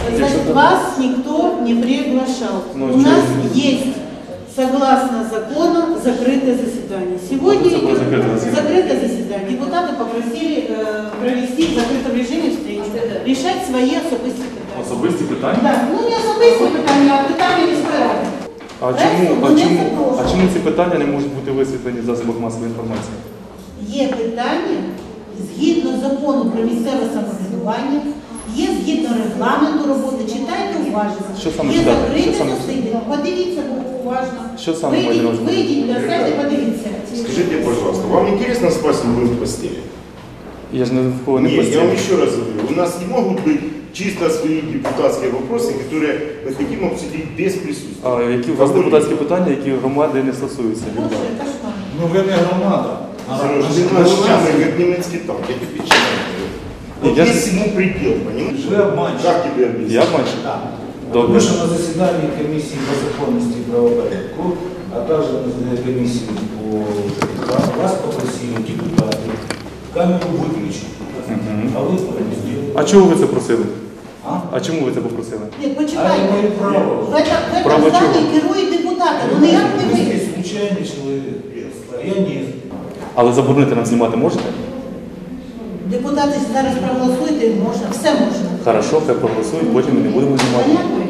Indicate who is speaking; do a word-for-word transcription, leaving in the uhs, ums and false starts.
Speaker 1: Значит, вас никто не приглашал.
Speaker 2: Ну,
Speaker 1: У нас
Speaker 2: что?
Speaker 1: есть, согласно закону, закрытое заседание. Сегодня
Speaker 2: Это было закрытое заседание.
Speaker 1: закрытое заседание. Депутаты попросили э, провести в закрытом режиме встречу, решать свои особистые питания.
Speaker 2: Особисті питання?
Speaker 1: Да. Ну не особисті питання, а питання міської ради.
Speaker 2: А
Speaker 1: Правильно?
Speaker 2: чому, а,
Speaker 1: Вони
Speaker 2: чому,
Speaker 1: запрошують.
Speaker 2: а чому ці питання не можуть бути висвітлені в засобах масової інформації?
Speaker 1: Є питання згідно закону про місцеве самоврядування, є згідно регламенту роботи, читайте уважно.
Speaker 2: Що саме
Speaker 1: є
Speaker 2: читати?
Speaker 1: закрите
Speaker 2: Що саме?
Speaker 1: засідання. Подивіться уважно.
Speaker 2: Що саме
Speaker 1: Вийдіть,
Speaker 2: маєте на увазі?
Speaker 1: вийдіть для себе, подивіться.
Speaker 3: Скажите, пожалуйста, вам интересно спать с мужем в постели?
Speaker 2: Я ж не в кого не
Speaker 3: Нет, я
Speaker 2: постійно.
Speaker 3: вам еще раз говорю, у нас не могут быть чисто свои депутатские вопросы, которые мы хотим обсудить без присутствия.
Speaker 2: А які у вас депутатські питання, які громади не стосуються?
Speaker 1: Боже, кошмар.
Speaker 4: Ну ви не громада.
Speaker 3: Сереж, ты наш самый, как немецкий танк, я тебе честно говорю. Вот
Speaker 2: Я-
Speaker 3: есть ему предел, понимаешь?
Speaker 4: Вы обманщик.
Speaker 3: Как тебе объяснить?
Speaker 2: Я обманщик?
Speaker 4: Так.
Speaker 2: Добре.
Speaker 4: Тому що на засіданні комісії по законності і правопорядку, а також на комісії по ЖКХ вас попросили депутати камеру виключити.
Speaker 2: Мгм.
Speaker 4: А ви не зробили.
Speaker 2: А чого ви це просили?
Speaker 4: А?
Speaker 2: А чому ви це попросили?
Speaker 1: Ні,
Speaker 4: А я
Speaker 1: почекайте.
Speaker 4: маю право.
Speaker 1: В этом
Speaker 2: Право
Speaker 1: залі
Speaker 2: чого?
Speaker 1: керують депутати, ну ніяк не
Speaker 4: Ви
Speaker 1: ви.
Speaker 4: здесь случайний чоловік. А я ні.
Speaker 2: Але заборонити нам знімати можете?
Speaker 1: Депутати зараз проголосують, і можна, все можна.
Speaker 2: Хорошо, хай проголосують, потім ми не будемо знімати.
Speaker 1: Понятно?